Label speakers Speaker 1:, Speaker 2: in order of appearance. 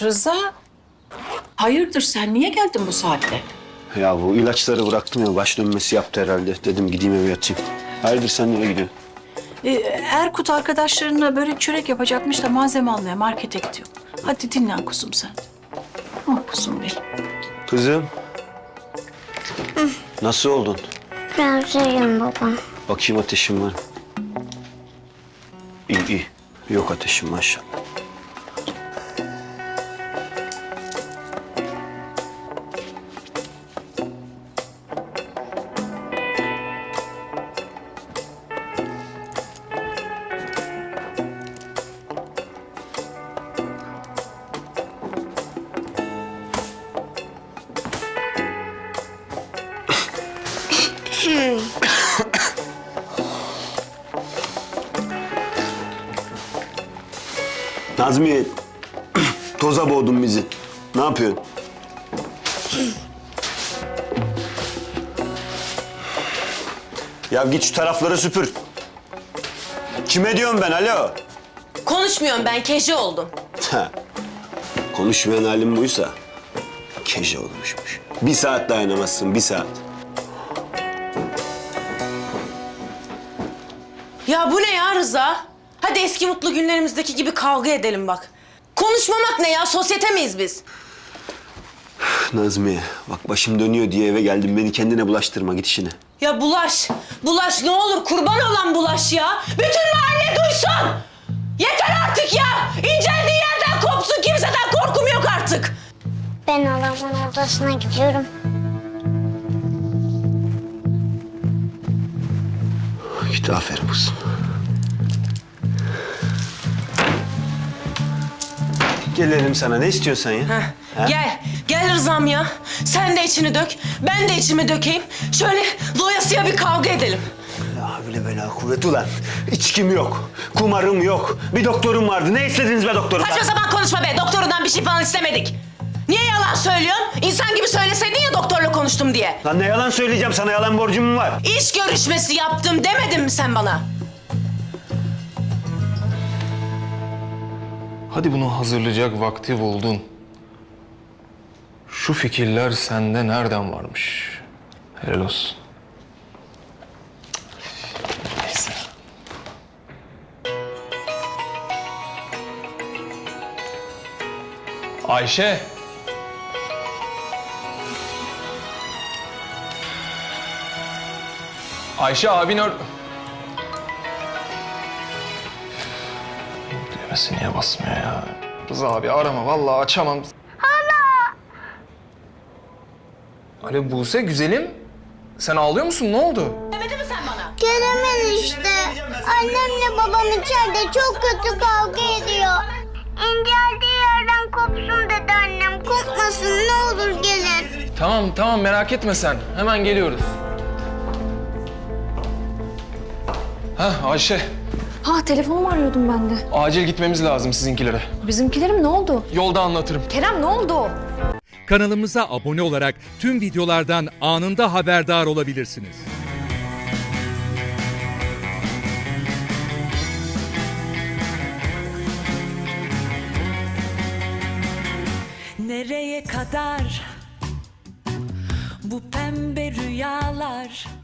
Speaker 1: Rıza, hayırdır sen niye geldin bu saatte?
Speaker 2: Ya bu ilaçları bıraktım ya, baş dönmesi yaptı herhalde. Dedim gideyim eve yatayım. Hayırdır, sen nereye gidiyorsun?
Speaker 1: Erkut arkadaşlarına börek çörek yapacakmış da malzeme almaya markete gidiyor. Hadi dinlen kuzum sen. Oh kuzum benim.
Speaker 2: Kızım. Nasıl oldun?
Speaker 3: Biraz iyiyim baba.
Speaker 2: Bakayım, ateşim var. İyi iyi. Yok ateşim maşallah. Nazmiye, toza boğdun bizi. Ne yapıyorsun? Ya git şu tarafları süpür. Kime diyorum ben, alo?
Speaker 4: Konuşmuyorum ben, keji oldum.
Speaker 2: Ha. Konuşmayan halim buysa keşe olmuşmuş. 1 saat dayanamazsın, 1 saat.
Speaker 4: Ya bu ne ya Rıza? Hadi eski mutlu günlerimizdeki gibi kavga edelim bak. Konuşmamak ne ya? Sosyete miyiz biz?
Speaker 2: Nazmiye, bak başım dönüyor diye eve geldim. Beni kendine bulaştırma, git işine.
Speaker 4: Ya bulaş, bulaş ne olur kurban olan bulaş ya. Bütün mahalle duysun. Yeter artık ya. İnceldiği yerden kopsun, kimseden korkum yok artık.
Speaker 3: Ben halamın odasına gidiyorum.
Speaker 2: Git, aferin kızım. Gelelim sana, ne istiyorsan ya?
Speaker 4: Heh,
Speaker 2: Ha?
Speaker 4: gel Rızam ya. Sen de içini dök, ben de içimi dökeyim. Şöyle doyasıya bir kavga edelim.
Speaker 2: La havle ve la kuvvet ulan. İçkim yok, kumarım yok. Bir doktorum vardı. Ne istediniz be doktorumdan?
Speaker 4: Saçma sapan konuşma be. Doktorundan bir şey falan istemedik. Niye yalan söylüyorsun? İnsan gibi söyleseydin ya doktorla konuştum diye.
Speaker 2: Lan ne yalan söyleyeceğim, sana yalan borcum mu var?
Speaker 4: İş görüşmesi yaptım demedin mi sen bana?
Speaker 5: Hadi bunu hazırlayacak vakti buldun. Şu fikirler sende nereden varmış? Helal olsun. Neyse. Ayşe. Ayşe abin Düğmesi niye basmıyor ya? Rıza abi arama, vallahi açamam. Hala. Alo Buse güzelim. Sen ağlıyor musun? Ne oldu?
Speaker 4: Demedin mi sen bana?
Speaker 3: Gelemez işte. Annemle babam içeride çok kötü kavga ediyor. İnceldiği yerden kopsun dedi annem. Kopmasın ne olur gelin.
Speaker 5: Tamam merak etme sen. Hemen geliyoruz. Hah Ayşe.
Speaker 6: Ha telefonumu arıyordum ben de.
Speaker 5: Acil gitmemiz lazım sizinkilere.
Speaker 6: Bizimkilerim ne oldu?
Speaker 5: Yolda anlatırım.
Speaker 6: Kerem ne oldu?
Speaker 7: Kanalımıza abone olarak tüm videolardan anında haberdar olabilirsiniz.
Speaker 8: Nereye kadar bu pembe rüyalar?